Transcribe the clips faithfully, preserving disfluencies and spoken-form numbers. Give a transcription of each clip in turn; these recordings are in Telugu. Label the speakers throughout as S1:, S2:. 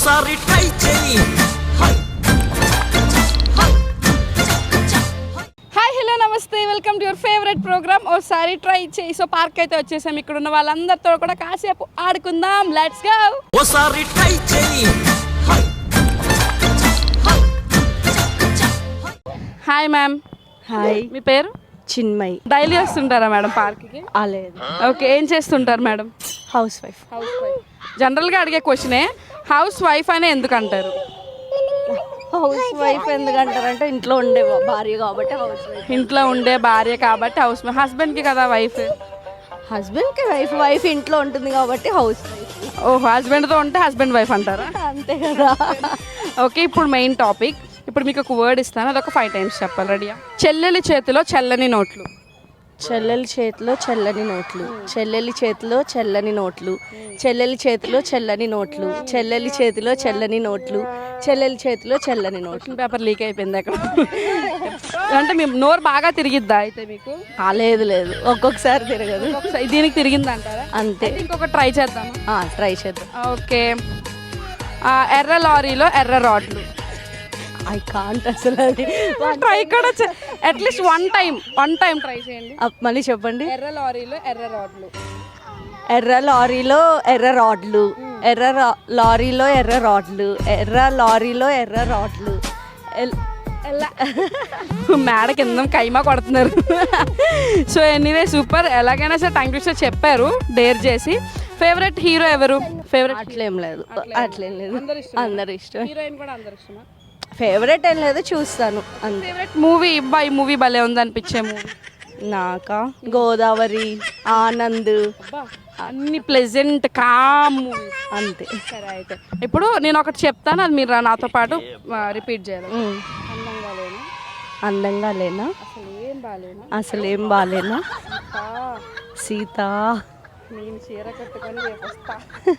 S1: ఓసారి ట్రై చేయి.
S2: హాయ్ హలో నమస్తే, welcome to your favourite programme ఓసారి ట్రై చేయి. సో పార్క్ అయితే వచ్చేసాం. ఇక్కడ ఉన్న వాళ్ళందరితో కూడా కాసేపు ఆడుకుందాం. Let's go.
S1: ఓసారి ట్రై చేయి.
S2: Hi ma'am.
S3: హాయ్,
S2: మీ పేరు?
S3: చిన్మయ్.
S2: డైలీ వస్తుంటారా మేడం పార్క్కి?
S3: లేదు,
S2: ఓకే, ఏం చేస్తుంటారు madam?
S3: Housewife.
S2: Housewife. జనరల్గా అడిగే క్వశ్చనే హౌస్ వైఫ్ అనే ఎందుకు అంటారు?
S3: హౌస్ వైఫ్ ఎందుకంటారంటే ఇంట్లో ఉండే భార్య కాబట్టి హౌస్ వైఫ్.
S2: ఇంట్లో ఉండే భార్య కాబట్టి హౌస్ వైఫ్. హస్బెండ్కి కదా వైఫ్.
S3: హస్బెండ్కి వైఫ్, వైఫ్ ఇంట్లో ఉంటుంది కాబట్టి హౌస్ వైఫ్.
S2: ఓ, హస్బెండ్తో ఉంటే హస్బెండ్ వైఫ్ అంటారా?
S3: అంతే కదా.
S2: ఓకే, ఇప్పుడు మెయిన్ టాపిక్. ఇప్పుడు మీకు ఒక వర్డ్ ఇస్తాను, అదొక ఫైవ్ టైమ్స్ చెప్పాలి. రెడీయా? చెల్లెలి చేతిలో చల్లని నోట్లు.
S3: చెల్లెలి చేతిలో చల్లని నోట్లు. చెల్లెలి చేతిలో చల్లని నోట్లు. చెల్లెలి చేతిలో చల్లని నోట్లు. చెల్లెలి చేతిలో చల్లని నోట్లు. చెల్లెలి చేతిలో చల్లని నోట్లు.
S2: పేపర్ లీక్ అయిపోయింది అక్కడ. అంటే మీ నోరు బాగా తిరిగిద్దా అయితే మీకు?
S3: లేదు లేదు, ఒక్కొక్కసారి తిరగదు.
S2: ఒకసారి దీనికి తిరిగింది అంటారా?
S3: అంతే.
S2: ఇంకొక ట్రై చేద్దాం.
S3: ట్రై చేద్దాం.
S2: ఓకే, ఎర్ర లారీలో ఎర్ర రాడ్లు.
S3: ఐ కాంట్ అసలు. అది
S2: ట్రై కూడా at least one time one time try చేయండి.
S3: మళ్ళీ చెప్పండి.
S2: ఎర్ర లారీలో ఎర్ర రాడ్లు.
S3: ఎర్ర లారీలో ఎర్ర రాడ్లు. ఎర్ర రా- లారీలో ఎర్ర రాడ్లు. ఎర్ర లారీలో ఎర్ర రాడ్లు. ఎల్-
S2: మేడ కింద కైమా కొడుతున్నారు. So anyway super. ఎలాగైనా సరే టైం టు చెప్పారు, డేర్ చేసి. ఫేవరెట్ హీరో ఎవరు? ఫేవరెట్
S3: అట్లేం లేదు, అట్లేం లేదు. అందరు ఇష్టం.
S2: హీరోయిన్ కూడా అందరు ఇష్టమా?
S3: ఫేవరెట్ ఏం లేదు, చూస్తాను అంతే.
S2: ఫేవరెట్ మూవీ ఇబ్బా, ఈ మూవీ భలే ఉంది అనిపించే మూవీ
S3: నాకా గోదావరి, ఆనంద్,
S2: అన్ని ప్లెజెంట్ కామ్ మూవీస్.
S3: అంతే.
S2: సరే అయితే ఇప్పుడు నేను ఒకటి చెప్తాను, అది మీరు నాతో పాటు రిపీట్ చేయాలి.
S3: ఉమ్.
S2: అందంగా లేనా?
S3: అందంగా లేనా?
S2: అసలు ఏం బాలేనా?
S3: అసలు ఏం బాలేనా? సీత.
S2: నేను చీర కట్టుకొని రేపు వస్తా.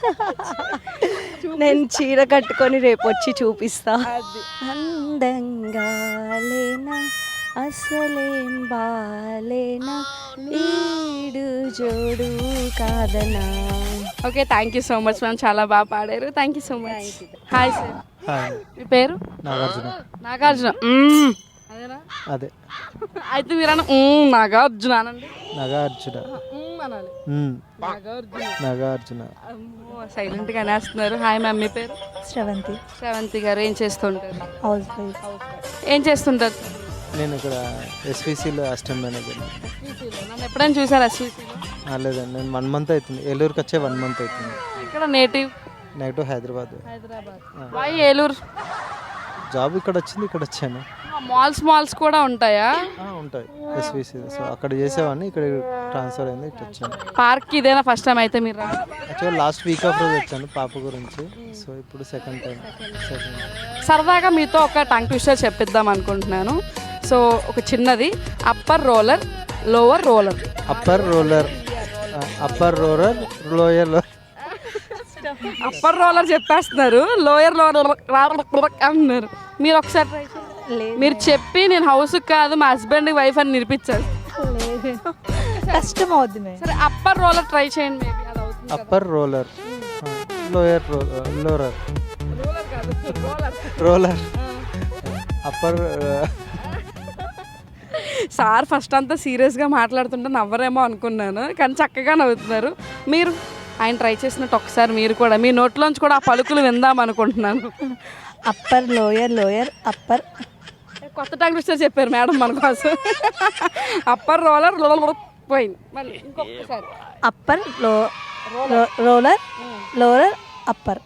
S3: నేను చీర కట్టుకొని రేపు వచ్చి చూపిస్తా.
S2: అది
S3: అందంగా లేనా, అసలేం బాలేనా, ఈడు జోడు కాదనా.
S2: Okay, thank you so much ma'am, చాలా బాగా పాడారు. Thank you so much. Hi sir.
S4: Hi,
S2: మీ పేరు?
S4: నాగార్జున.
S2: నాగార్జున. మ్మ్. అదేనా?
S4: అదే
S2: అయితే మీరు అన్న మ్మ్, నాగార్జున అనండి.
S4: నాగార్జున.
S2: మ్మ్ అనాలి.
S4: మ్మ్.
S2: నాగార్జున.
S4: నాగార్జున.
S2: అమ్మో, సైలెంట్గా అనేస్తున్నారు. హాయ్ మ్యామ్, మీ పేరు?
S3: శ్రవంతి.
S2: శ్రవంతి గారు. ఏం చేస్తుంటారు?
S3: Housewife.
S2: ఏం చేస్తుంటారు?
S4: నేను ఇక్కడ ఎస్విసిలో అసిస్టెంట్ మేనేజర్.
S2: నన్ను ఎప్పుడైనా చూసారు ఎస్వీసీలో?
S4: లేదండి, నేను వన్ మంత్ అవుతుంది. ఏలూరుకి వచ్చే వన్ మంత్ అవుతుంది.
S2: ఇక్కడ native
S4: negative Hyderabad.
S2: Hyderabad. Why Eluru?
S4: Job ఇక్కడ వచ్చింది, ఇక్కడ వచ్చాను.
S2: మాల్స్ మాల్స్ కూడా ఉంటాయా?
S4: ఆ, ఉంటాయి ఎస్విసి. సో అక్కడ చేసేవాడిని, ఇక్కడ ట్రాన్స్ఫర్ అయింది, ఇక్కడ వచ్చాను.
S2: పార్క్ ఇదేనా ఫస్ట్ టైం అయితే మీరు రావడం?
S4: యాక్చువల్ లాస్ట్ వీక్ ఆఫ్ రోజు వచ్చాను పాప గురించి. సో ఇప్పుడు సెకండ్ టైం. సెకండ్
S2: సరదాగా మీతో ఒక టంగ్ ట్విస్టర్ చెప్పిద్దాం అనుకుంటున్నాను. సో ఒక చిన్నది. Upper roller, lower roller.
S4: Upper roller, upper roller, lower lower.
S2: Upper roller చెప్పేస్తున్నారు, లోయర్ రోలర్ అంటున్నారు. మీరు ఒకసారి try చేయండి. మీరు చెప్పి నేను హౌస్ కాదు మా హస్బెండ్ వైఫ్ అని నిరూపించాలి.
S3: కష్టం అవుతుంది.
S2: సరే, అప్పర్ రోలర్ ట్రై చేయండి. మేబీ అది అవుతుంది.
S4: Upper roller, lower lower,
S2: roller కాదు, roller.
S4: Roller, upper.
S2: Sir first అంతా సీరియస్గా మాట్లాడుతుంటే నవ్వరేమో అనుకున్నాను, కానీ చక్కగా నవ్వుతున్నారు. మీరు ఆయన ట్రై చేసినట్టు ఒకసారి మీరు కూడా మీ నోట్లోంచి కూడా ఆ పలుకులు విందాం అనుకుంటున్నాను.
S3: Upper, lower, lower, upper.
S2: కొత్త టంగ్ ట్విస్టర్ చెప్పారు మేడం మన కోసం. అప్పర్ రోలర్ రోలర్ పోయింది. మళ్ళీ ఇంకొకసారి.
S3: Upper, low roller, lower, upper.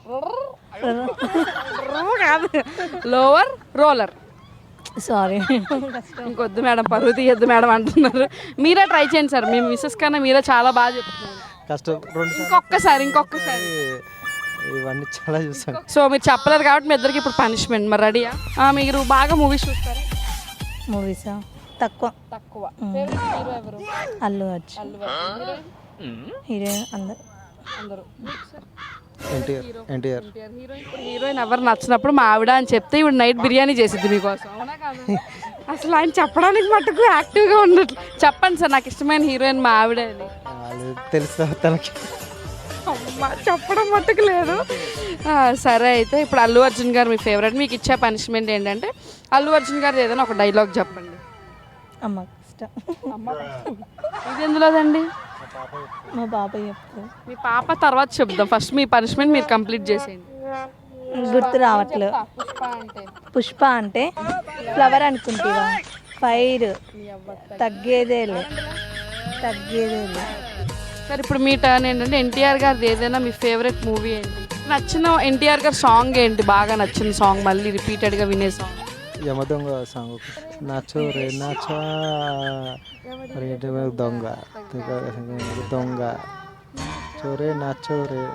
S2: కాదు, లోవర్ రోలర్.
S3: సారీ.
S2: ఇంకొద్దు మేడం, పరువు తీయద్దు మేడం అంటున్నారు. మీరే ట్రై చేయండి సార్, మీ మిస్సెస్ కన్నా మీరే చాలా బాగా చెప్తున్నారు.
S4: కష్టం. రెండు
S2: ఇంకొకసారి ఇంకొకసారి
S4: ఇవన్నీ చాలా చూసాను.
S2: సో మీరు చెప్పలేదు కాబట్టి మీ ఇద్దరికి ఇప్పుడు పనిష్మెంట్. మరి రెడీయా? మీరు బాగా మూవీస్ చూస్తారా?
S3: మూవీసా? తక్కువ
S2: తక్కువ. ఫేవరెట్ హీరో ఎవరు?
S3: అల్లు అర్జున్.
S2: అల్లు అర్జున్.
S3: హీరోయిన్ అందరు
S2: అందరూ.
S4: ఎన్టీఆర్. ఎన్టీఆర్.
S2: హీరోయిన్ హీరోయిన్ ఎవరు నచ్చినప్పుడు మా ఆవిడ అని చెప్తే ఇప్పుడు నైట్ బిర్యానీ చేసిద్ది మీకోసం. అవునా కాదు? అసలు ఆయన చెప్పడానికి మటుకు యాక్టివ్గా ఉండట్లేదు. చెప్పండి సార్, నాకు ఇష్టమైన హీరోయిన్ మా ఆవిడే అని.
S4: తెలుసా తనకి?
S2: అమ్మా, చెప్పడం మట్టుకు లేదు. ఆ, సరే అయితే ఇప్పుడు అల్లు అర్జున్ గారు మీ ఫేవరెట్, మీకు ఇచ్చే పనిష్మెంట్ ఏంటంటే అల్లు అర్జున్ గారు ఏదైనా ఒక డైలాగ్ చెప్పండి.
S3: అమ్మ ఇష్టం.
S2: ఇది ఎందులోదండి?
S3: మా బాబాయ్ చెప్తారు.
S2: మీ పాప తర్వాత చెప్దాం, ఫస్ట్ మీ పనిష్మెంట్ మీరు కంప్లీట్ చేసేయండి.
S3: గుర్తు రావట్లేదు. పుష్ప అంటే ఫ్లవర్ అనుకుంటావా? ఫైర్ తగ్గేదేలే తగ్గేదేలే.
S2: సరే ఇప్పుడు మీ టర్న్ ఏంటంటే ఎన్టీఆర్ గారిది ఏదైనా మీ ఫేవరెట్ మూవీ ఏంటి? నచ్చిన ఎన్టీఆర్ గారి సాంగ్ ఏంటి, బాగా నచ్చిన సాంగ్, మళ్ళీ రిపీటెడ్గా వినే సాంగ్?
S4: యమదొంగ సాంగ్ నాచో రే నాచా రేటు దొంగ దొంగ చోరే నాచోరే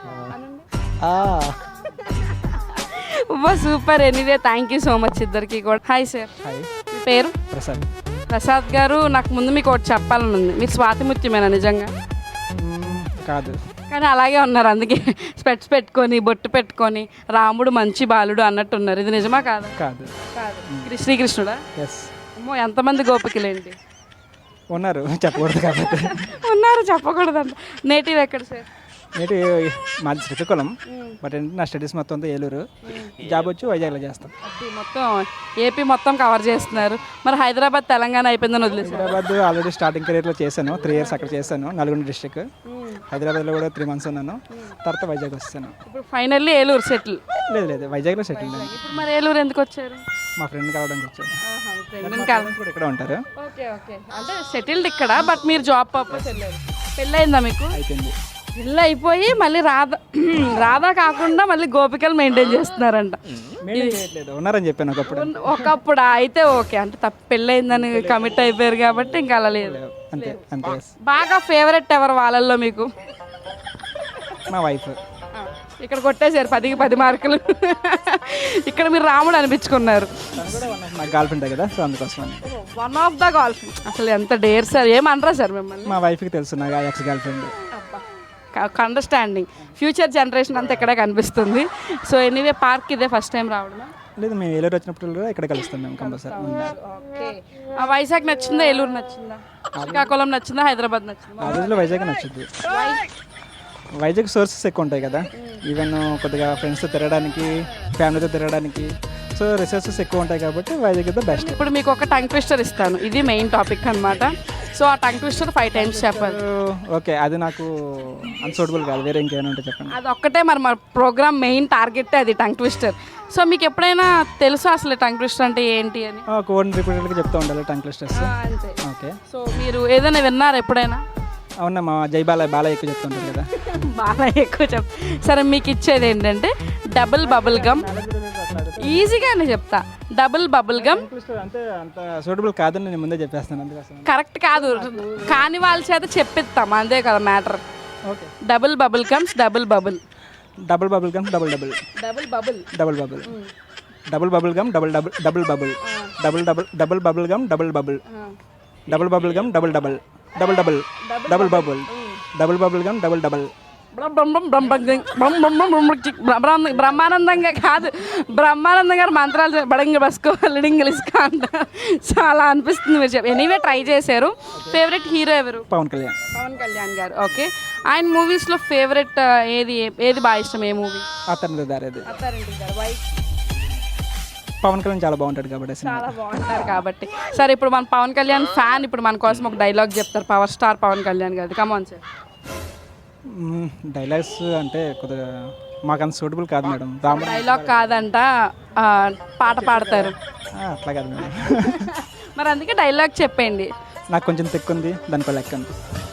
S2: super. Anyway thank you so much ఇద్దరికి కూడా. హాయ్ సార్,
S4: హాయ్
S2: మీ పేరు?
S4: ప్రసాద్.
S2: ప్రసాద్ గారు, నాకు ముందు మీకు ఒకటి చెప్పాలని ఉంది. మీరు స్వాతిముత్యమేనా నిజంగా?
S4: కాదు,
S2: కానీ అలాగే ఉన్నారు, అందుకే స్పెట్స్ పెట్టుకొని బొట్టు పెట్టుకొని రాముడు మంచి బాలుడు అన్నట్టు ఉన్నారు. ఇది నిజమా కాదా?
S4: కాదు
S2: కాదు. శ్రీకృష్ణుడా?
S4: ఎస్.
S2: అమ్మో, ఎంతమంది గోపికలేంటి
S4: ఉన్నారు, చెప్పకూడదు కాబట్టి.
S2: ఉన్నారు, చెప్పకూడదంట. నేటివ్ ఎక్కడ సార్?
S5: నేటి మాది శ్రీకాకుళం, బట్ ఏంటంటే నా స్టడీస్ మొత్తం అంతా ఏలూరు, జాబ్ వచ్చి వైజాగ్లో చేస్తాం.
S2: మొత్తం ఏపీ మొత్తం కవర్ చేస్తున్నారు. మరి హైదరాబాద్ తెలంగాణ అయిపోయిందని వదిలేసారు?
S5: హైదరాబాద్ ఆల్రెడీ స్టార్టింగ్ కెరీర్లో చేశాను, త్రీ ఇయర్స్ అక్కడ చేశాను, నల్గొండ డిస్ట్రిక్ట్. హైదరాబాద్లో కూడా త్రీ మంత్స్ ఉన్నాను, తర్వాత వైజాగ్ వస్తాను.
S2: ఇప్పుడు ఫైనల్లీ ఏలూరు సెటిల్?
S5: లేదు లేదు, వైజాగ్లో సెటిల్ అయ్యాను.
S2: ఇప్పుడు మరి ఏలూరు ఎందుకు వచ్చారు?
S5: మా ఫ్రెండ్ కలవడానికి వచ్చాను. కూడా ఇక్కడ ఉంటారు.
S2: ఓకే ఓకే, అంటే సెటిల్డ్ ఇక్కడ, బట్ మీరు జాబ్ పర్పస్ వెళ్ళారు. పెళ్ళయిందా మీకు?
S5: అయిపోయింది.
S2: పెళ్ళి అయిపోయి మళ్ళీ రాధా రాధా కాకుండా మళ్ళీ గోపికలు మెయింటైన్ చేస్తున్నారంట.
S5: ఉన్నారని చెప్పాను ఒకప్పుడు.
S2: ఒకప్పుడు అయితే ఓకే, అంటే తప్ప పెళ్ళయిందని కమిట్ అయిపోయారు కాబట్టి ఇంకా అలా లేదు.
S5: అంతే అంతే.
S2: బాగా ఫేవరెట్ ఎవరు వాళ్ళల్లో మీకు?
S5: మా వైఫ్.
S2: ఇక్కడ కొట్టేశారు పదికి పది మార్కులు. ఇక్కడ మీరు రాముడు అనిపించుకున్నారు.
S5: మా గర్ల్ ఫ్రెండ్ కదా, సో అందుకోసం.
S2: One of the girlfriend. అసలు ఎంత డేర్ సార్, ఏమనరా సార్ మిమ్మల్ని?
S5: మా వైఫ్కి తెలుసు నా ex girlfriend.
S2: Understanding. Future generation అంతా ఇక్కడే కనిపిస్తుంది. సో ఎనీవే, పార్క్ ఇదే ఫస్ట్ టైం రావడమా?
S5: లేదు, మేము ఏలూరు వచ్చినప్పుడు కూడా ఇక్కడ కలుస్తాం మేము కంపల్సరీ.
S2: ఆ వైజాగ్ నచ్చిందా, ఏలూరు నచ్చిందా, శ్రీకాకుళం నచ్చిందా, హైదరాబాద్ నచ్చిందా?
S5: ఆ రోజులో వైజాగ్ నచ్చుద్ది. వైజాగ్ సోర్సెస్ ఎక్కువ ఉంటాయి కదా, ఈవెన్ కొద్దిగా ఫ్రెండ్స్తో తిరగడానికి, ఫ్యామిలీతో తిరగడానికి, సో రిసోర్సెస్ ఎక్కువ ఉంటాయి కాబట్టి వైజాగ్ ఇస్ ద బెస్ట్.
S2: ఇప్పుడు మీకు ఒక టంగ్ ట్విస్టర్ ఇస్తాను, ఇది మెయిన్ టాపిక్ అనమాట. సో ఆ టంగ్ ట్విస్టర్ ఫైవ్ టైమ్స్ చెప్పాలి.
S5: ఓకే, అది నాకు అన్సూటబుల్ కాదు, వేరే ఇంకేమైనా ఉంటే చెప్పండి.
S2: అది ఒక్కటే మరి మా ప్రోగ్రామ్ మెయిన్ టార్గెట్ అది టంగ్ ట్విస్టర్. సో మీకు ఎప్పుడైనా తెలుసా అసలు టంగ్ ట్విస్టర్ అంటే ఏంటి అని?
S5: కోడ్ రిపీటెడ్గా చెప్తూ ఉండాలి టంగ్ ట్విస్టర్స్.
S2: అంతే.
S5: ఓకే,
S2: సో మీరు ఏదైనా విన్నారా ఎప్పుడైనా?
S5: అవునా, మా జై బాలయ్య బాలయ్య ఎక్కువ చెప్తుంటారు కదా.
S2: బాలయ్య ఎక్కువ చెప్. సరే మీకు ఇచ్చేది ఏంటంటే డబుల్ బబుల్ గమ్. ఈజీగానే చెప్తా, డబుల్ బబుల్ గమ్.
S5: అంటే అంత సూటబుల్ కాదని నేను ముందే చెప్పేస్తాను, అందుకోసం.
S2: కరెక్ట్ కాదు, కాని వాళ్ళ చేత చెప్పిస్తాం, అంతే కదా matter.
S5: Okay,
S2: double bubble gums, double bubble.
S5: Double bubble gum, double double.
S2: Double bubble,
S5: double bubble. Double bubble gum, double double. Double bubble. Double double. Double bubble gum, double bubble. Double bubble gum, double double. Double double. Double bubble. Double bubble gum, double double.
S2: బ్రహ్మానందంగా కాదు, బ్రహ్మానందం గారు మంత్రాలు బడంగ బస్కో లిడింగ్ ఇస్కా అంట. సో అలా అనిపిస్తుంది మీరు చెప్పి. ఎనీవే ట్రై చేశారు. ఫేవరెట్ హీరో ఎవరు?
S5: పవన్ కళ్యాణ్.
S2: పవన్ కళ్యాణ్ గారు. ఓకే, ఆయన మూవీస్లో ఫేవరెట్ ఏది ఏది బాగా ఇష్టం, ఏ మూవీ?
S5: అతని దారేది. పవన్ కళ్యాణ్ చాలా బాగుంటాడు కాబట్టి.
S2: చాలా బాగుంటారు కాబట్టి. సరే ఇప్పుడు మన పవన్ కళ్యాణ్ ఫ్యాన్ ఇప్పుడు మన కోసం ఒక డైలాగ్ చెప్తారు, పవర్ స్టార్ పవన్ కళ్యాణ్ గారు. Come on sir.
S5: డైలాగ్స్ అంటే కొద్దిగా మాకు అంత సూటబుల్ కాదు మేడం.
S2: డైలాగ్ కాదంట, పాట పాడతారు.
S5: అట్లా కాదు మేడం.
S2: మరి అందుకే డైలాగ్ చెప్పండి.
S5: నాకు కొంచెం తెక్కుంది, దానికో లెక్క ఉంది.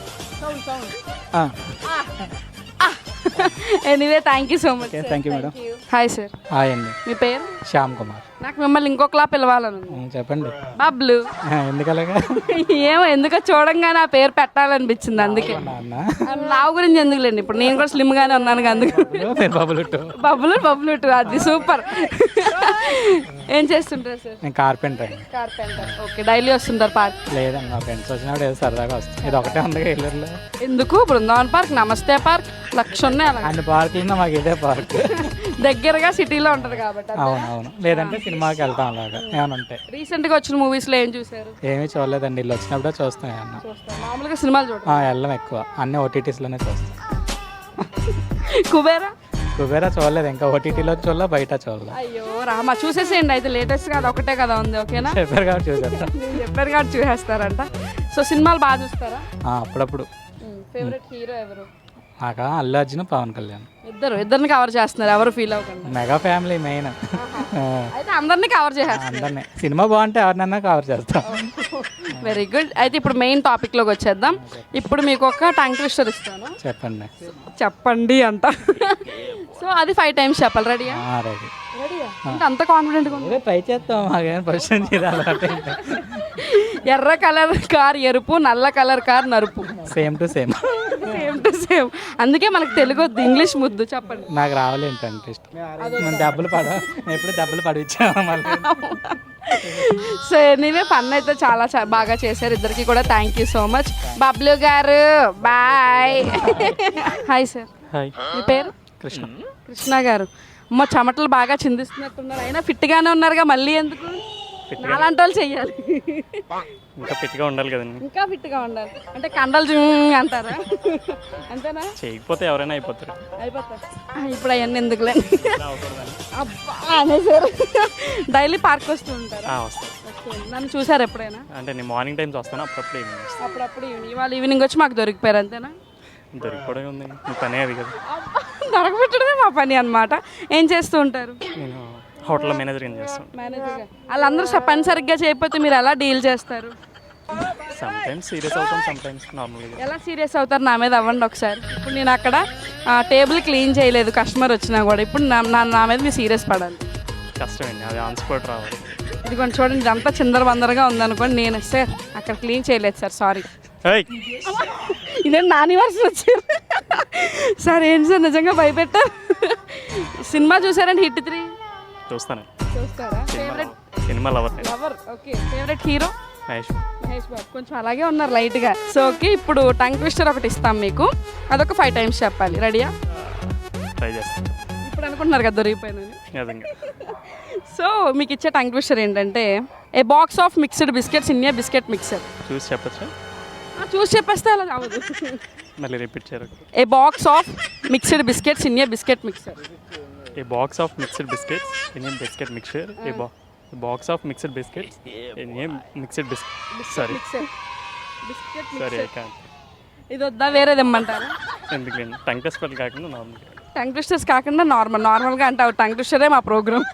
S2: Anyway thank you so much.
S5: Thank you madam.
S2: Hi sir.
S6: Hi అండి.
S2: మీ పేరు?
S6: శ్యామ్ కుమార్.
S2: నాకు మిమ్మల్ని ఇంకొకలా పిలవాలను.
S6: చెప్పండి.
S2: బబ్లు.
S6: ఎందుకలాగా?
S2: ఏమో ఎందుకో చూడంగానే ఆ పేరు పెట్టాలనిపించింది, అందుకే. లావు గురించి ఎందుకులేండి, ఇప్పుడు నేను కూడా స్లిమ్ గానే ఉన్నాను అందుకు.
S6: బబులుట్టు.
S2: బబ్బులు బబ్బులుట్టు, అది సూపర్. ఏం చేస్తుంటారు సార్?
S6: నేను కార్పెంటర్ అండి.
S2: కార్పెంటర్. ఓకే, డైలీ వస్తుంటారు పార్క్?
S6: లేదండి, మా ఫ్రెండ్స్ వచ్చినప్పుడు ఏదో సరదాగా వస్తాం. ఇది ఒకటే ఉంది ఏలూరులో.
S2: ఎందుకు? బృందావన్ పార్క్, నమస్తే పార్క్, లక్ష ఉన్నాయి అలా.
S6: అన్ని పార్కులు మాకు ఇదే పార్క్.
S2: దగ్గరగా సిటీలో ఉంటది కాబట్టి.
S6: అవునవును, లేదంటే సినిమాకి వెళ్తాం అలాగా ఏమైనా ఉంటాయి.
S2: రీసెంట్ గా వచ్చిన మూవీస్ లో ఏం చూసారు?
S6: ఏమీ చూడలేదండి, ఇల్లు వచ్చినప్పుడే చూస్తాం ఏమన్నా.
S2: మామూలుగా సినిమాలు చూడండి.
S6: వెళ్ళం ఎక్కువ, అన్ని ఓటీటీస్లోనే చూస్తాం.
S2: కుబేరా
S6: కుబేరా చూడలేదు ఇంకా ఓటీటీలో చూడలే బయట చూడలే
S2: అయ్యో రామా చూసేసేయండి అయితే లేటెస్ట్ కదా ఒకటే కదా ఉంది ఓకేనా
S6: చెప్పారు కాబట్టి చూసేస్తా
S2: నేను చెప్పారు కాబట్టి చూసేస్తారంట సో సినిమాలు బాగా చూస్తారా
S6: ఆ, అప్పుడప్పుడు
S2: ఫేవరెట్ హీరో ఎవరు
S6: నాకా అల్లు అర్జున్ పవన్ కళ్యాణ్
S2: ఇద్దరు ఇద్దరిని కవర్ చేస్తున్నారు ఎవరు ఫీల్ అవ్వకుండా
S6: మెగా ఫ్యామిలీ మెయిన్
S2: అయితే అందరినీ కవర్ చేసేస్తారు
S6: అందరినీ సినిమా బాగుంటే ఎవరినన్నా కవర్ చేస్తాం
S2: వెరీ గుడ్ అయితే ఇప్పుడు మెయిన్ టాపిక్లోకి వచ్చేద్దాం ఇప్పుడు మీకు ఒక టంగ్ ట్విస్టర్ ఇస్తాను
S6: చెప్పండి
S2: చెప్పండి అంట సో అది ఫైవ్ టైమ్స్ చెప్పాలి రెడీయా
S6: రెడీ
S2: రెడీయా అంటే అంత కాన్ఫిడెంట్గా ఉంది
S6: ఏదో ట్రై చేస్తాం మాకేం క్వశ్చన్ చేయాలి
S2: ఎర్ర కలర్ కార్ ఎరుపు నల్ల కలర్ కార్ నరుపు
S6: same to same
S2: same to same అందుకే మనకు తెలుగు వద్దు ఇంగ్లీష్ ముద్దు చెప్పండి
S6: నాకు రావాలి ఏంటంటే ఇష్టం మనం దెబ్బలు పడ ఎప్పుడు దెబ్బలు పడిచ్చాము మళ్ళీ
S2: సో ఎనీవే ఫన్ అయితే చాలా చా- బాగా చేశారు ఇద్దరికి కూడా thank you so much Bablu garu bye hi sir
S6: hi
S2: మీ పేరు
S6: కృష్ణ
S2: కృష్ణ గారు అమ్మ చెమటలు బాగా చిందిస్తున్నట్టున్నారు అయినా ఫిట్గానే ఉన్నారుగా మళ్ళీ ఎందుకు నాలాంటి వాళ్ళు చెయ్యాలి
S7: ఇంకా ఫిట్గా ఉండాలి కదండి
S2: ఇంకా ఫిట్గా ఉండాలి అంటే కండలు జుమ్ అంటారా అంతేనా
S7: చేయకపోతే ఎవరైనా అయిపోతారు
S2: అయిపోతారు ఇప్పుడు అవన్నీ ఎందుకులే అబ్బా అనేసారు డైలీ పార్క్ వస్తూ ఉంటారా
S7: ఆ, వస్తాను
S2: ఓకే. నన్ను చూసారు ఎప్పుడైనా
S7: అంటే నేను మార్నింగ్ టైమ్స్ వస్తాను అప్పుడప్పుడు ఈవినింగ్ వస్తాను
S2: అప్పుడప్పుడు ఈవినింగ్ ఇవాళ ఈవినింగ్ వచ్చి మాకు దొరికిపోయారు అంతేనా
S7: దొరికిపోవడం ఉంది మీ పనే అది కదా
S2: అబ్బా, దొరకబెట్టడమే మా పని అన్నమాట ఏం చేస్తూ ఉంటారు
S7: నేను హోటల్ మేనేజర్ కింద చేస్తాను
S2: మేనేజర్గా వాళ్ళందరూ స- పని సరిగ్గా చేయకపోతే మీరు ఎలా డీల్ చేస్తారు
S7: సమ్ టైమ్స్ సీరియస్ అవుతాం సమ్ టైమ్స్ నార్మల్గా
S2: ఎలా సీరియస్ అవుతారు నా మీద అవ్వండి ఒకసారి ఇప్పుడు నేను అక్కడ టేబుల్ క్లీన్ చేయలేదు కస్టమర్ వచ్చినా కూడా ఇప్పుడు నా నా- నా మీద మీరు సీరియస్ పడాలి
S7: కష్టమండి అది ఆన్ స్పాట్ రావాలి
S2: ఇదిగోండి చూడండి ఇదంతా చిందర బందరగా ఉందనుకోండి నేను సార్ అక్కడ క్లీన్ చేయలేదు సార్ సారీ
S7: ఏయ్,
S2: ఇదేంటి నాని వర్షం వచ్చారు సార్ ఏంటి సార్ నిజంగా భయపెట్టారు సినిమా చూసారండి హిట్ త్రీ
S7: చూస్తాను
S2: చూస్తారా ఫేవరెట్
S7: సినిమా లవర్ నేను
S2: lover okay favourite hero
S7: Mahesh
S2: Mahesh Babu కొంచెం అలాగే ఉన్నారు లైట్గా సో ఓకే ఇప్పుడు టంగ్ ట్విస్టర్ ఒకటి ఇస్తాం మీకు అదొక ఫైవ్ టైమ్స్ చెప్పాలి రెడీయా
S7: ట్రై చేస్తాను
S2: ఇప్పుడు అనుకుంటున్నారు కదా దొరికిపోయినని
S7: నిజంగా
S2: సో మీకు ఇచ్చే టంగ్ ట్విస్టర్ ఏంటంటే a box of mixed biscuits in a biscuit mixer
S7: చూసి చెప్పచ్చా
S2: చూసి చెప్పేస్తే అలా అవ్వదు
S7: మళ్ళీ రిపీట్ చేయరు
S2: a box of mixed biscuits in a biscuit mixer
S7: a box of mixed biscuits in a biscuit mixture a బా box of mixed biscuits in a mixed biscuit sorry
S2: mixer biscuit
S7: sorry I
S2: mixer
S7: can't
S2: ఇది వద్దా వేరేది ఇమ్మంటారా
S7: ఎందుకు నేను టంగ్ టెస్ట్ పని కాకుండా నార్మల్గా
S2: టంగ్ ట్విస్టర్స్ కాకుండా నార్మల్ నార్మల్గా అంటే టంగ్ ట్విస్టరే మా ప్రోగ్రామ్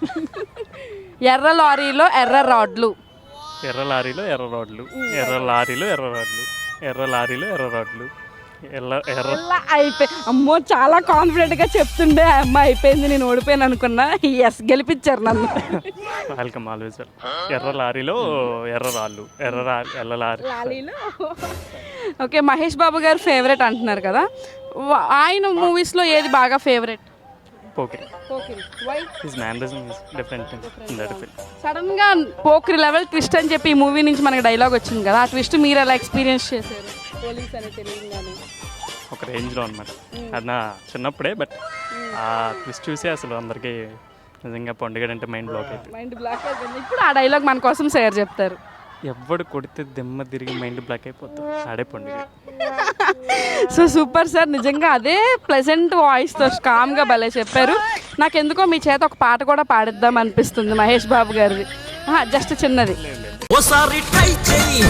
S2: ఎర్ర లారీలో ఎర్ర రాడ్లు
S7: ఎర్ర లారీలో ఎర్ర రోడ్లు ఎర్ర లారీలో ఎర్ర రోడ్లు ఎర్ర లారీలో ఎర్ర రోడ్లు ఎర్ర ఎర్ర
S2: ఎలా అయిపోయి అమ్మో చాలా కాన్ఫిడెంట్గా చెప్తుండే ఆ అమ్మ అయిపోయింది నేను ఓడిపోయాను అనుకున్నా ఎస్ గెలిపించారు నన్ను
S7: వెల్కమ్ ఆల్వేస్ ఎర్ర లారీలో ఎర్ర రాళ్ళు ఎర్ర రా ఎర్ర లారీ
S2: లాలీలో ఓకే మహేష్ బాబు గారు ఫేవరెట్ అంటున్నారు కదా వా- ఆయన మూవీస్లో ఏది బాగా favourite
S7: Pokiri his mannerism is different in that film
S2: సడన్గా పోక్రి లెవెల్ ట్విస్ట్ అని చెప్పి ఈ మూవీ నుంచి మనకి డైలాగ్ వచ్చింది కదా ఆ ట్విస్ట్ మీరు ఎలా ఎక్స్పీరియన్స్ చేశారు పోలీస్ అని తెలియగానే
S7: ఒక రేంజ్లో అనమాట అది నా చిన్నప్పుడే బట్ ఆ ట్విస్ట్ చూసి అసలు అందరికీ నిజంగా పండుగ మైండ్ బ్లాక్ అయిపోయింది
S2: మైండ్ బ్లాక్ అయిపోయింది ఇప్పుడు ఆ డైలాగ్ మన కోసం షేర్ చెప్తారు
S7: ఎవడు కొడితే దిమ్మ తిరిగి మైండ్ బ్లాక్ అయిపోతుంది ఆడే పండుగ
S2: సో సూపర్ సార్ నిజంగా అదే ప్లెజెంట్ వాయిస్తో కామ్గా భలే చెప్పారు నాకెందుకో మీ చేత ఒక పాట కూడా పాడిద్దాం అనిపిస్తుంది మహేష్ బాబు గారిది జస్ట్ చిన్నది
S1: ఓసారి ట్రై చేయి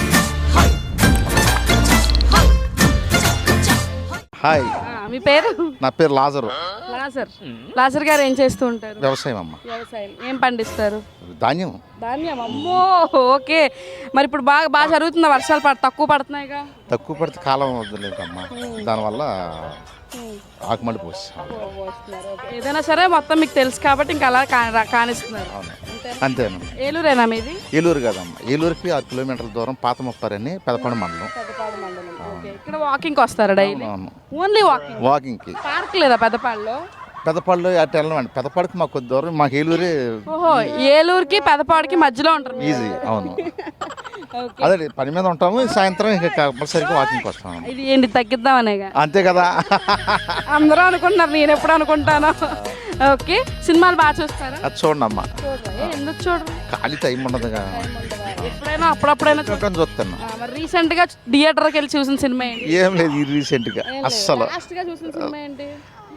S8: హాయ్
S2: ఆ, మీ పేరు
S8: నా పేరు లాజరు
S2: లాజర్ లాజర్ గారు ఏం చేస్తూ ఉంటారు
S8: వ్యవసాయం అమ్మ
S2: వ్యవసాయం ఏం పండిస్తారు
S8: ధాన్యం
S2: ధాన్యం అమ్మో ఓకే మరి ఇప్పుడు బాగా బాగా జరుగుతుందా వర్షాలు పడ తక్కువ పడుతున్నాయిగా
S8: తక్కువ పడితే కాలం వద్దలేదమ్మా దానివల్ల ఆకుమడి పోస్తాం
S2: ఏదైనా సరే మొత్తం మీకు తెలుసు కాబట్టి ఇంకా అలా కా- కానిస్తున్నారు
S8: అవును అంతేనమ్మా
S2: ఏలూరేనా మీది
S8: ఏలూరు కాదమ్మా ఏలూరుకి ఆరు కిలోమీటర్ల దూరం పాత ముప్పారని పెదపాడు మండలం
S2: పెద్దపాడు మండలం ఓకే ఇక్కడ వాకింగ్కి వస్తారా డైలీ
S8: అవును
S2: ఓన్లీ వాకింగ్
S8: వాకింగ్కి
S2: పార్క్ లేదా పెద్దపాడులో
S8: పెదపాడులో అటు వెళ్ళమండి పెదపాడుకి మాకు కొద్ది దూరం మాకు ఏలూరే
S2: ఓహో ఏలూరుకి పెదపాడుకి మధ్యలో ఉంటారు మీరు.
S8: ఈజీ అవును
S2: ఓకే
S8: అదే పని మీద ఉంటాము సాయంత్రం ఇంకా కంపల్సరీగా వాకింగ్కి వస్తాము
S2: ఇది ఏంటి తగ్గిద్దామనేగా
S8: అంతే కదా
S2: అందరూ అనుకుంటున్నారు నేను ఎప్పుడు అనుకుంటాను ఓకే సినిమాలు బాగా చూస్తారా
S8: అది చూడండి అమ్మా
S2: ఏ, ఎందుకు చూడరు
S8: ఖాళీ టైం ఉండదు కదా
S2: ఎప్పుడైనా అప్పుడప్పుడైనా చూడ-
S8: చూడటం చూస్తాను
S2: ఆ, మరి రీసెంట్ గా థియేటర్కి వెళ్ళి చూసిన సినిమా ఏంటి
S8: ఏం లేదు ఈ రీసెంట్గా అస్సలు
S2: లాస్ట్ గా చూసిన సినిమా ఏంటి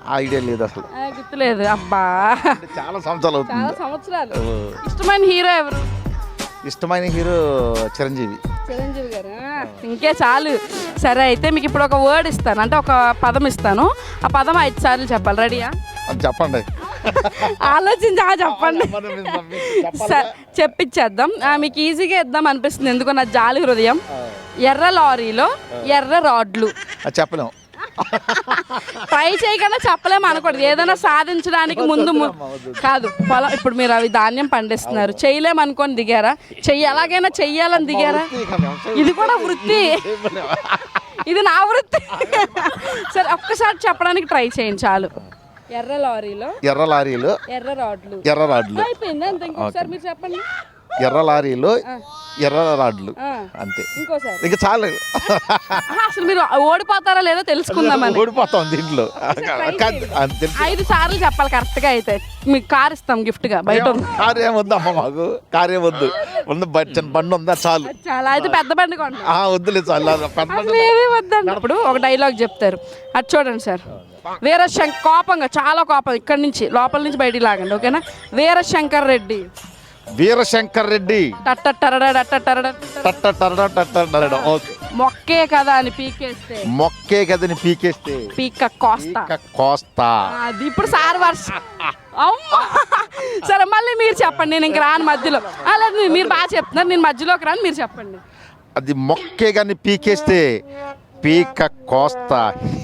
S8: ఐడియా లేదు అసలు.
S2: ఆ, గుర్తులేదు. అబ్బా,
S8: అంటే చాలా సంవత్సరాలు
S2: చాలా
S8: అవుతుంది.
S2: సంవత్సరాలు. ఇష్టమైన హీరో ఎవరు?
S8: ఇష్టమైన హీరో చిరంజీవి.
S2: చిరంజీవి గారు. ఆ, ఇంకే చాలు. సరే, అయితే మీకు ఇప్పుడు ఒక వర్డ్ ఇస్తాను, అంటే ఒక పదం ఇస్తాను. ఆ పదం ఐదు సార్లు చెప్పాలి. రెడీయా?
S8: అది చెప్పండి.
S2: ఆలోచించి ఆ చెప్పండి. స- చెప్పించేద్దాం. ఆ, మీకు ఈజీగా ఇద్దాం అనిపిస్తుంది, ఎందుకో నా జాలి హృదయం. ఎర్ర లారీలో ఎర్ర రాడ్లు.
S8: అది చెప్పలేము.
S2: ట్రై చేయకుండా చెప్పలేము అనకూడదు. ఏదైనా సాధించడానికి ముందు ము- కాదు పొలం. ఇప్పుడు మీరు అవి ధాన్యం పండిస్తున్నారు, చేయలేము అనుకొని దిగారా? చెయ్యి ఎలాగైనా చెయ్యాలని దిగారా? ఇది కూడా వృత్తి. ఇది నా వృత్తి. సరే, ఒక్కసారి చెప్పడానికి ట్రై చేయండి చాలు. ఎర్ర లారీలో
S8: ఎర్ర లారీలు
S2: ఎర్ర రాడ్లు.
S8: ఎర్ర రాడ్లు.
S2: అయిపోయింది అంతే. ఇంకోసారి మీరు చెప్పండి.
S8: ఎర్ర లారీలు ఎర్ర రాడ్లు.
S2: ఆ,
S8: అంతే.
S2: ఇంకోసారి.
S8: ఇక చాలు.
S2: ఆహా, అసలు మీరు ఓడిపోతారా లేదో తెలుసుకుందామని.
S8: ఓడిపోతాం దీంట్లో. కాదు, అది తెలుసు.
S2: ఐదు సార్లు చెప్పాలి కరెక్ట్ గా. అయితే మీకు కార్ ఇస్తాం గిఫ్ట్ గా. బయట ఉంది.
S8: కారు ఏమొద్దు అమ్మ, మాకు కారు ఏమొద్దు. ఉంది బ- చిన్న బండి ఉందా చాలు.
S2: చాలా. అయితే పెద్ద బండి కొంటాం.
S8: ఆ, వద్దులే చాలు. పెద్ద బండి.
S2: అసలు ఏమీ వద్దన్నప్పుడు ఒక డైలాగ్ చెప్తారు, అది చూడండి సార్. వీరశంకర్ కోపంగా, చాలా కోపం, ఇక్కడి నుంచి లోపల నుంచి బయటికి లాగండి, ఓకేనా? వీరశంకర్ రెడ్డి.
S8: వీరశంకర్ రెడ్డి.
S2: టట్టట్టరడా టట్టట్టరడా
S8: టట్టటరడ టట్టటరడ. ఓకే.
S2: మొక్కే కదా అని పీకేస్తే
S8: మొక్కే కదని పీకేస్తే
S2: పీక కోస్తా.
S8: పీక కోస్తా.
S2: అది ఇప్పుడు సార్ వర్ష. అమ్మా, సరే మళ్ళీ మీరు చెప్పండి, నేను ఇంక రాను మధ్యలో. ఆ, లేదు, మీరు బాగా చెప్తున్నారు, నేను మధ్యలోకి రాను, మీరు చెప్పండి.
S8: అది మొక్కే కానీ పీకేస్తే పీక కోస్తా.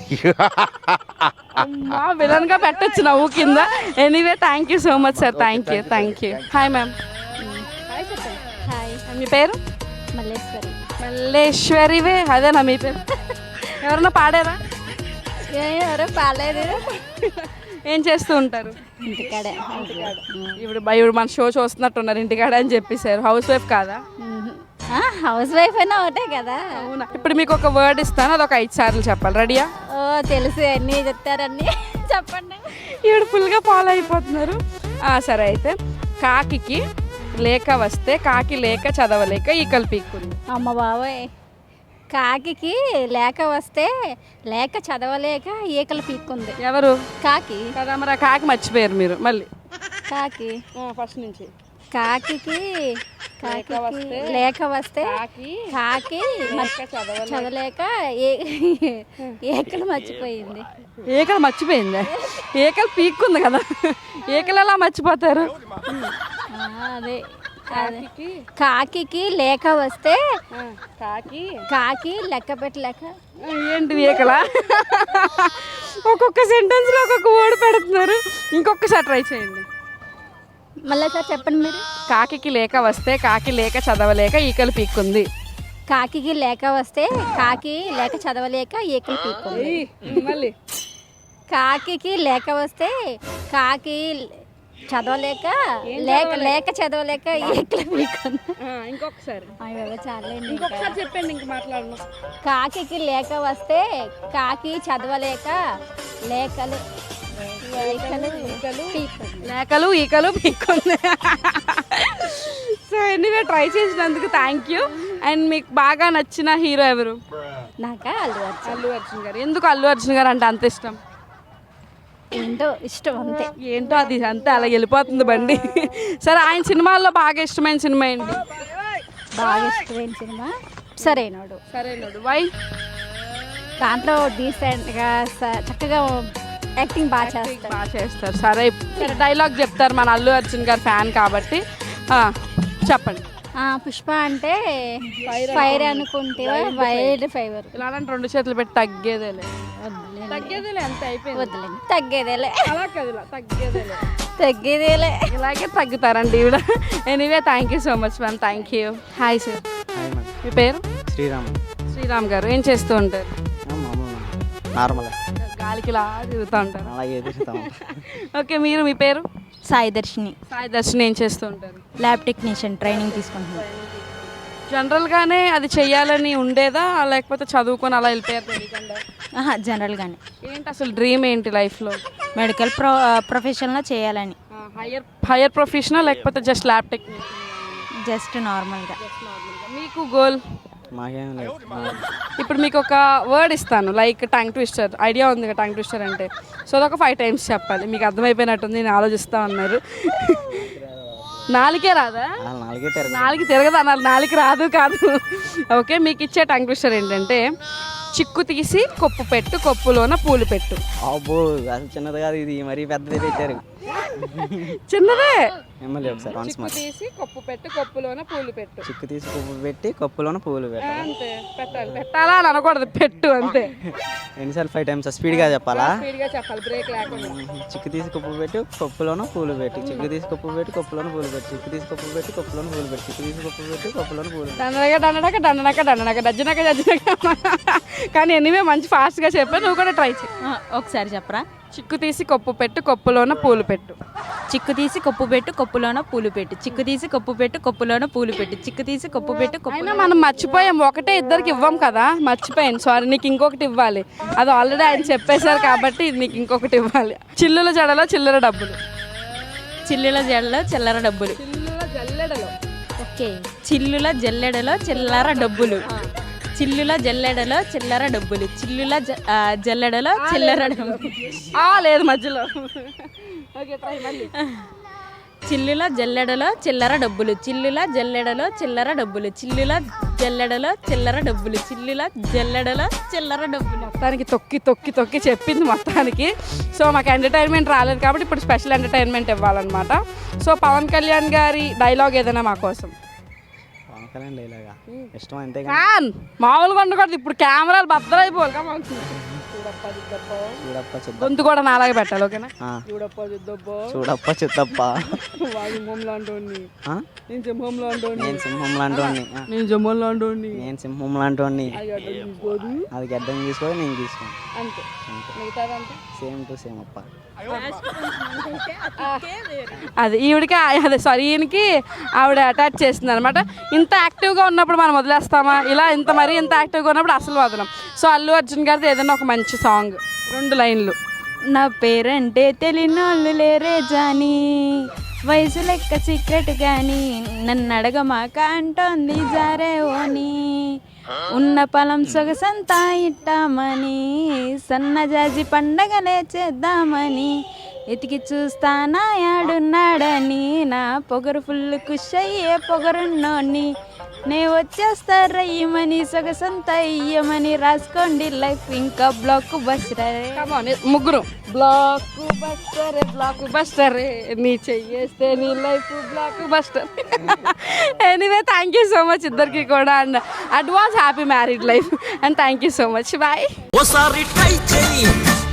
S2: అమ్మా, విలన్ గా పెట్టచ్చు నవ్వు కింద. Anyway, thank you so much sir. Thank you thank you hi ma'am.
S3: Hi,
S2: మీ పేరు?
S3: మల్లేశ్వరి.
S2: మల్లేశ్వరివే, అదేనా మీ పేరు? ఎవరన్నా పాడారా?
S3: ఎవరో పాలేదు.
S2: ఏం చేస్తూ ఉంటారు?
S3: ఇంటికాడే.
S2: ఇప్పుడు బయ- ఇప్పుడు మన షో చూస్తున్నట్టున్నారు ఇంటికాడ అని చెప్పేశారు. హౌస్ వైఫ్ కాదా?
S3: హౌస్ వైఫ్ అయినా ఒకటే కదా.
S2: అవునా. ఇప్పుడు మీకు ఒక వర్డ్ ఇస్తాను, అది ఒక ఐదు సార్లు చెప్పాలి. రెడీయా?
S3: ఓ, తెలుసు, అన్నీ చెప్తారన్నీ. చెప్పండి.
S2: ఇప్పుడు ఫుల్గా ఫాలో అయిపోతున్నారు. ఆ, సరే, అయితే కాకికి లేక వస్తే కాకి లేక చదవలేక ఈకలు పీక్కుంది.
S3: అమ్మ బాబోయ్. కాకికి లేక వస్తే లేక చదవలేక ఈకలు పీక్కుంది.
S2: ఎవరు?
S3: కాకి.
S2: కదా, మరి ఆ కాకి మర్చిపోయారు మీరు మళ్ళీ.
S3: కాకి
S2: ఫస్ట్ నుంచి.
S3: కాకికి కాకి లేక వస్తే కాకి చదవలేక ఏ- ఏకలు మర్చిపోయింది.
S2: ఏకలు మర్చిపోయిందా? ఏకలు పీక్కుంది కదా, ఏకలు ఎలా మర్చిపోతారు?
S3: ఆ, అదే అదే. కాకికి లేక వస్తే
S2: కాకి
S3: కాకి లెక్క పెట్టలేక.
S2: ఏంటి ఏకలా? ఒక్కొక్క సెంటెన్స్ లో ఒక్కొక్క వర్డ్ పెడుతున్నారు. ఇంకొకసారి ట్రై చేయండి.
S3: మళ్ళీ సార్ చెప్పండి మీరు.
S2: కాకికి లేక వస్తే కాకి లేక చదవలేక ఈకలు పీక్కుంది.
S3: కాకికి లేక వస్తే కాకి లేక చదవలేక ఈకలు పీక్కుంది.
S2: మళ్ళీ
S3: కాకికి లేక వస్తే కాకి చదవలేక లేక లేక చదవలేక ఈకలు పీక్కుంది.
S2: ఇంకొకసారి
S3: అయ్యో, చాలండి.
S2: ఇంకొకసారి చెప్పండి, ఇంక మాట్లాడను.
S3: కాకికి లేక వస్తే కాకి చదవలేక లేకలు లేకలు పీక్కుంది.
S2: లేకలు ఈకలు పీక్కుంది. సో ఎనీవే, ట్రై చేసినందుకు థ్యాంక్ యూ. అండ్ మీకు బాగా నచ్చిన హీరో ఎవరు?
S3: నాకా అల్లు అర్జున్.
S2: అల్లు అర్జున్ గారు. ఎందుకు అల్లు అర్జున్ గారు అంటే అంత ఇష్టం?
S3: ఏంటో ఇష్టం అంతే.
S2: ఏంటో అది అంతే, అలా వెళ్ళిపోతుంది బండి. సరే, ఆయన సినిమాల్లో బాగా ఇష్టమైన సినిమా ఏంటి?
S3: బాగా ఇష్టమైన సినిమా సరైనోడు.
S2: సరైనోడు. వై?
S3: దాంట్లో డీసెంట్గా స- చక్కగా యాక్టింగ్ బాగా చేస్తారు.
S2: బాగా చేస్తారు. సరే, సరే, డైలాగ్ చెప్తారు, మన అల్లు అర్జున్ గారు ఫ్యాన్ కాబట్టి. ఆ, చెప్పండి.
S3: ఆ, పుష్ప అంటే ఫైర్ అనుకుంటే వైల్డ్ ఫైవర్.
S2: ఇలాంటి రెండు చేతులు పెట్టి తగ్గేదేలే. తగ్గేదేలే, అంతే, అయిపోయింది.
S3: వద్దులేండి, తగ్గేదేలే.
S2: అలా కాదు, ఇలా తగ్గేదేలే.
S3: తగ్గేదేలే.
S2: ఇలాగే తగ్గుతారండి ఈవిడ. Anyway, thank you so much ma'am. Thank you. Hi sir. మీ పేరు?
S6: శ్రీరామ్.
S2: శ్రీరామ్ గారు. ఏం చేస్తూ ఉంటారు?
S6: నార్మల్
S2: గాలికి ఇలా తిరుగుతూ ఉంటారు.
S6: అలాగే తిరుగుతాం.
S2: ఓకే, మీరు? మీ పేరు?
S9: సాయి దర్శిని.
S2: సాయి దర్శిని. ఏం చేస్తూ ఉంటారు?
S9: ల్యాబ్ టెక్నీషియన్ ట్రైనింగ్ తీసుకుంటున్నాను.
S2: జనరల్గానే అది చెయ్యాలని ఉండేదా, లేకపోతే చదువుకొని అలా వెళ్ళిపోయారు తెలియకుండా?
S9: ఆహా, జనరల్గానే.
S2: ఏంటి అసలు డ్రీమ్ ఏంటి లైఫ్లో?
S9: మెడికల్ ప్రొ ప్రొఫెషన్లో చేయాలని.
S2: హయ్యర్ హయ్యర్ ప్రొఫెషనల్ లేకపోతే జస్ట్ ల్యాబ్ టెక్నీషియన్?
S9: జస్ట్ నార్మల్గా.
S2: మీకు గోల్?
S6: మాకేం లేదు
S2: ఇప్పుడు మీకు ఒక వర్డ్ ఇస్తాను లైక్ టంగ్ ట్విస్టర్ ఐడియా ఉంది కదా టంగ్ ట్విస్టర్ అంటే సో అదొక ఫైవ్ టైమ్స్ చెప్పాలి మీకు అర్థమైపోయినట్టుంది నేను ఆలోచిస్తా ఉన్నారు నాలుగే రాదా
S6: నాలుగే తిరగ
S2: నాలుగు తిరగదు అన్నారు నాలుగు రాదు కాదు ఓకే మీకు ఇచ్చే టంగ్ ట్విస్టర్ ఏంటంటే చిక్కు తీసి కొప్పు పెట్టు కొప్పులోన పూలు పెట్టు
S6: అబ్బో అసలు చిన్నది కాదు ఇది మరీ పెద్దది పెట్టారు
S2: చిన్నదే
S6: ఎమ్మెల్యే ఒకసారి వన్స్
S2: చిక్కు
S6: మరి
S2: తీసి కొప్పు పెట్టు కొప్పులోన పూలు పెట్టు
S6: చిక్కు తీసి పువ్వు పెట్టి కప్పులోన పువ్వులు పెట్టాలి
S2: అంతే పెట్టాలి పెట్టాలా అని అనకూడదు పెట్టు అంతే
S6: ఎన్నిసార్లు ఫైవ్ టైమ్స్ స్పీడ్గా చెప్పాలా
S2: స్పీడ్గా చెప్పాలి బ్రేక్ లేకుండా
S6: చిక్కు తీసి కప్పు పెట్టి కప్పులోన పూలు పెట్టి చిక్కు తీసి కప్పు పెట్టి కప్పులోన పూలు పెట్టి చిక్కు తీసి కప్పు పెట్టి కప్పులోన పూలు పెట్టి చిక్కు తీసి కప్పు పెట్టి కప్పులోన పూలు పెట్టి
S2: దండనక దండనక దండనక దండనక డజ్జనక డజ్జనక కానీ ఎనివే మంచి ఫాస్ట్గా చెప్పాను నువ్వు కూడా ట్రై చేయి
S9: ఆ, ఒకసారి చెప్పరా
S2: చిక్కు తీసి కొప్పు పెట్టు కొప్పులోన పూలు పెట్టు
S9: చిక్కు తీసి కొప్పు పెట్టు కొప్పులోన పూలు పెట్టు చిక్కు తీసి కొప్పు పెట్టు కొప్పులోన పూలు పెట్టు చిక్కు తీసి కొప్పు పెట్టు కొప్పు
S2: అయినా మనం మర్చిపోయాం ఒకటే ఇద్దరికి ఇవ్వం కదా మర్చిపోయాను సారీ నీకు ఇంకొకటి ఇవ్వాలి అది ఆల్రెడీ ఆయన చెప్పేశారు కాబట్టి ఇది నీకు ఇంకొకటి ఇవ్వాలి చిల్లుల జడలో చిల్లర డబ్బులు
S9: చిల్లుల జడలో చిల్లర డబ్బులు
S2: చిల్లుల జల్లెడలో
S9: ఓకే చిల్లుల జల్లెడలో చిల్లర డబ్బులు చిల్లుల జల్లెడలో చిల్లర డబ్బులు చిల్లుల జ- ఆ, జల్లెడలో చిల్లర డబ్బులు
S2: ఆ లేదు మధ్యలో ఓకే ట్రై మళ్ళీ
S9: చిల్లుల జల్లెడలో చిల్లర డబ్బులు చిల్లుల జల్లెడలో చిల్లర డబ్బులు చిల్లుల జల్లెడలో చిల్లర డబ్బులు చిల్లుల జల్లెడలో చిల్లర డబ్బులు
S2: మొత్తానికి తొక్కి తొక్కి తొక్కి చెప్పింది మొత్తానికి సో మాకు ఎంటర్టైన్మెంట్ రాలేదు కాబట్టి ఇప్పుడు స్పెషల్ ఎంటర్టైన్మెంట్ ఇవ్వాలన్నమాట సో పవన్ కళ్యాణ్ గారి డైలాగ్ ఏదైనా మా కోసం
S6: పవన్ కళ్యాణ్ డైలాగా ఇష్టం అంతే
S2: ఫ్యాన్ మామూలుగా ఉండకూడదు ఇప్పుడు కెమెరాలు బద్దలైపోవాలి కదా
S6: చూడప్ప చిత్త
S2: గొంతు కూడా నాలాగే పెట్టాలి ఓకేనా
S6: ఆ.
S2: చూడప్ప చూద్దప్ప
S6: చూడప్ప చిత్తప్ప
S2: వాడి సింహం లాంటి
S6: ఆ?
S2: నేను సింహం లాంటి
S6: నేను సింహం లాంటి
S2: నేను సింహం లాంటి
S6: నేను సింహం లాంటి
S2: తీసుకోదు
S6: అది గడ్డం తీసుకోవాలి నేను తీసుకోను
S2: అంతే
S6: అంతే
S2: మిగతాదంతా
S6: సేమ్ టు సేమ్ అప్ప
S2: అది ఈవిడికి అదే సారీ ఈయనకి ఆవిడ అటాచ్ చేస్తుంది అనమాట ఇంత యాక్టివ్గా ఉన్నప్పుడు మనం వదిలేస్తామా ఇలా ఇంత మరీ ఇంత యాక్టివ్గా ఉన్నప్పుడు అసలు వదలం సో అల్లు అర్జున్ గారిది ఏదైనా ఒక మంచి సాంగ్ రెండు లైన్లు
S9: నా పేరంటే తెలియనోళ్ళు లేరే జాని వయసు లెక్క సీక్రెట్ గాని నన్ను అడగమాక అంటోంది జారే ఓని ఉన్న పొలం సొగసంతా ఇట్టామని సన్నజాజి పండగలే చేద్దామని ఎతికి చూస్తానా యాడున్నాడని నా పొగరు ఫుల్ కుష్ అయ్యే పొగరున్నోని నే వచ్చేస్తా రయ్యమని సొగసంతా ఇయ్యమని రాసుకోండి లైఫ్ ఇంకా బ్లాక్ బస్
S2: Come on, ముగ్గురు బ్లాక్ బస్టర్ బ్లాక్ బస్టర్ నీ చెయ్యేస్తే నీ life blockbuster anyway thank you so much ఇద్దరికి కూడా and advance happy married life and thank you so much bye
S1: ఓసారి ట్రై చేయి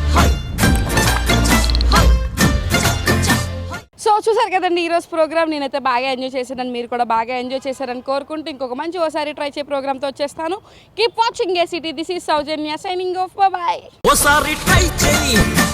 S2: సో చూసారు కదండి ఈరోజు ప్రోగ్రామ్ నేనైతే బాగా ఎంజాయ్ చేశాను మీరు కూడా బాగా ఎంజాయ్ చేశారని కోరుకుంటూ ఇంకొక మంచి ఓసారి ట్రై చేయ ప్రోగ్రామ్తో వచ్చేస్తాను keep watching ACT this is Soujanya signing off bye
S1: ఓసారి ట్రై చేయి